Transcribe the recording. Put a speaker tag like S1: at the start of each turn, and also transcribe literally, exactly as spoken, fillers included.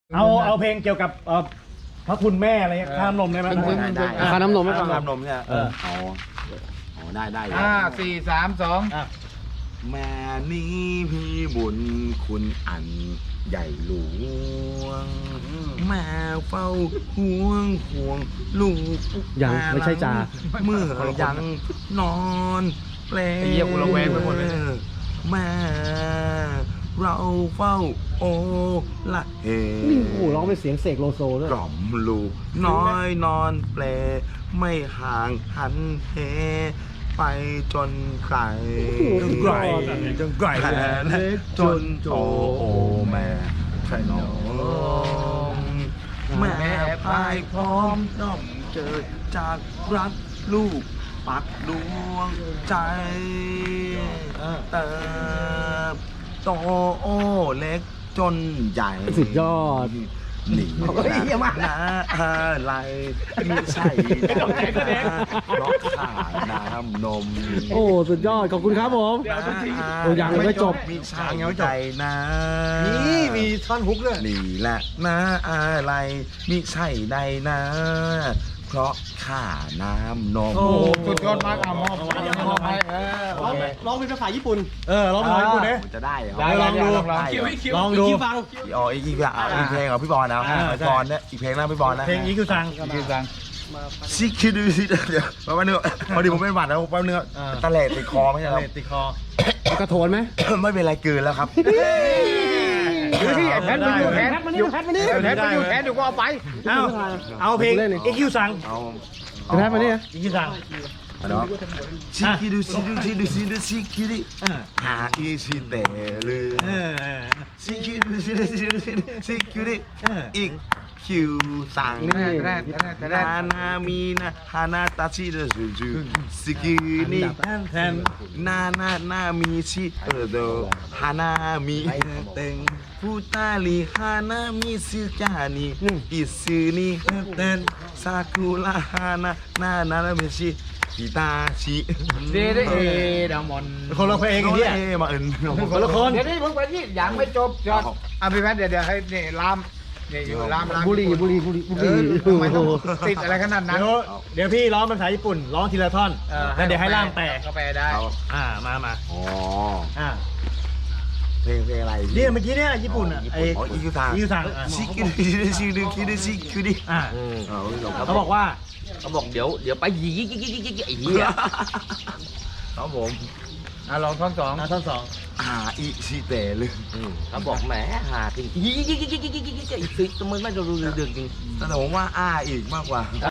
S1: เอาเอาเพลงเกี่ยวกับเอ่อพระคุณแม่อะไรเงี้ยข้ามนมได้ไหม
S2: ได้ได้
S3: ค่าน้ำนมไม่ฟัง
S2: น้ำนมเนี่ย
S1: เออ
S2: อ๋ออ๋อได้ได้
S4: ห้าสี่สามสอง
S1: อ่ะ
S2: แม่นี้พี่บุญคุณอันใหญ่หลวงแม่เฝ้าห่วงห่วงลูก
S3: ยังไม่ใช่จ่า
S2: เมื่อยังนอนเปล
S4: ไอ้เหี้ยกูระแวงไปหมดเลย
S2: แม่เราเฝ้าโอละเฮ
S3: นี่โอ้โหร้องเป็นเสียงเสกโลโซด้วย
S2: กล่อมลูกน้อยนอนเปลไม่ห่างหันเหไปจนไกล
S1: จนไกลจนไกล
S2: แผ่เล็กจนโตโอแม่ขนมแม่พายพร้อมน้อมเจอจากรักลูกปักดวงใจเติบโตโอเล็กจนใหญ่
S3: สุดยอด
S2: หนีนะอะไรไม่ใช่เพราะขาดน้ำนม
S3: โอ้สุดยอดขอบคุณครับผม โอ้ยังไม่จบ
S2: มีชายใจนะ
S1: นี่มีท่อนฮุกด้วย
S2: นี่แหละนะอะไรมิใช่ใดนะ เพราะข้าน้ำนม
S1: โอ้
S4: สุดยอดมากอ่ะมอบมอบให้เออ
S3: ร้องร้องเป็นภาษาญี่ปุ่น
S1: เออร้องเพลงกูเนี่ย
S2: จะได้เหรอ
S1: ได้ลองดู
S4: ลอง
S2: ได้เหรอ
S1: ลองดู
S3: ฟัง
S2: อ๋ออีกอีกอ่ะอีกเพลงของพี่บอลนะ
S1: อ่า
S2: พี่บอลเนี่ยอีกเพลงนะพี่บอลนะ
S1: เพลงอีคิวซัง
S4: คือสั่ง
S2: ซิคิดูซิเดี๋ยวแป๊บนึงพอดีผมเป็นหวัดแล้วแป๊บนึงตะเลติดคอไม่ใช่เหรอ
S1: เลติดคอ
S3: กระโถนไหม
S2: ไม่เป็นไรเกินแล้วครับ
S4: เฮ้ยไอ้แพทมันอยู่แพท
S3: มานี่แพทมานี่
S4: ไอ้แพทมันอยู่แพทเดี๋ยวกูเอาไป
S1: เอาเอาเพลงอีคิวซัง
S2: เอา
S3: แพทมานี่นะ
S1: อีคิวซัง
S2: เนาะซิคิดูซิดูซิดูซิดูซิคิดิหาอีชิเตลื
S1: เอ
S2: อ
S1: อ
S2: ซิคิดูซิดูซิดูซิซิคิดิอีกคิวสั่ง
S3: นี่
S4: แพทแพทแพท
S2: นานามีนาฮานาตาชิเดจูจูซิกินี่
S1: แทนแทน
S2: นานานามีชิเออโดฮานามิเต็งฟูตาลีฮานามิซิกานิอิซึนิเต็นซากุระฮานานานานามิชิฮิตาชิ
S4: เดเดเอดามอน
S1: คนละเพลงไอ้เนี่ย
S2: เอมาเอิน
S1: คนละคน
S4: เดี๋ยวนี้มึงไปที่ยังไม่จบจอดอ่ะพี่แพทเดี๋ยวเดี๋ยวให้นี่ลามนี่อยู่ลามลาม
S3: บุหรี่บุหรี่บุหรี่บุห
S4: เอ
S3: รี่
S4: อทำไมต้องติดอะไรขนาดนั้น
S1: เดี๋ยวเดี๋ยวพี่ร้องเป็นภาษาญี่ปุ่นร้องทีละท่อนแล้วเดี๋ยวให้ล่ามแปล
S4: ก็แปลได้
S1: อ่ามามา
S2: อ๋อ
S1: อ่า
S2: เพลงเพลงอะไร
S1: เนี่ยเมื่อกี้เนี่ยญี่ปุ่นอ่ะไอ้
S2: อ๋ออีคิวซัง
S1: อีคิวซังอ่ะ
S2: ชิคิดิชิดิชิดิชิคิดิ
S1: อ่า
S2: อ๋อ
S1: เขาบอกว่า
S5: เขาบอกเดี๋ยวเดี๋ยวไปยีกยิกยิกยิกไอ้เหี้ย
S2: ครับผม
S4: อ่ะลองท่อนสอง
S1: อ่าท่อนสอง
S2: อ่าอิชิเตะเลย
S5: เขาบอกแหมหาจริงยีกยิกยิกยิกยิกยิกยิกไอ้สิทำไมไม่ดูเดือดจริง
S2: แต่ผมว่าอ้าอีกมากกว่า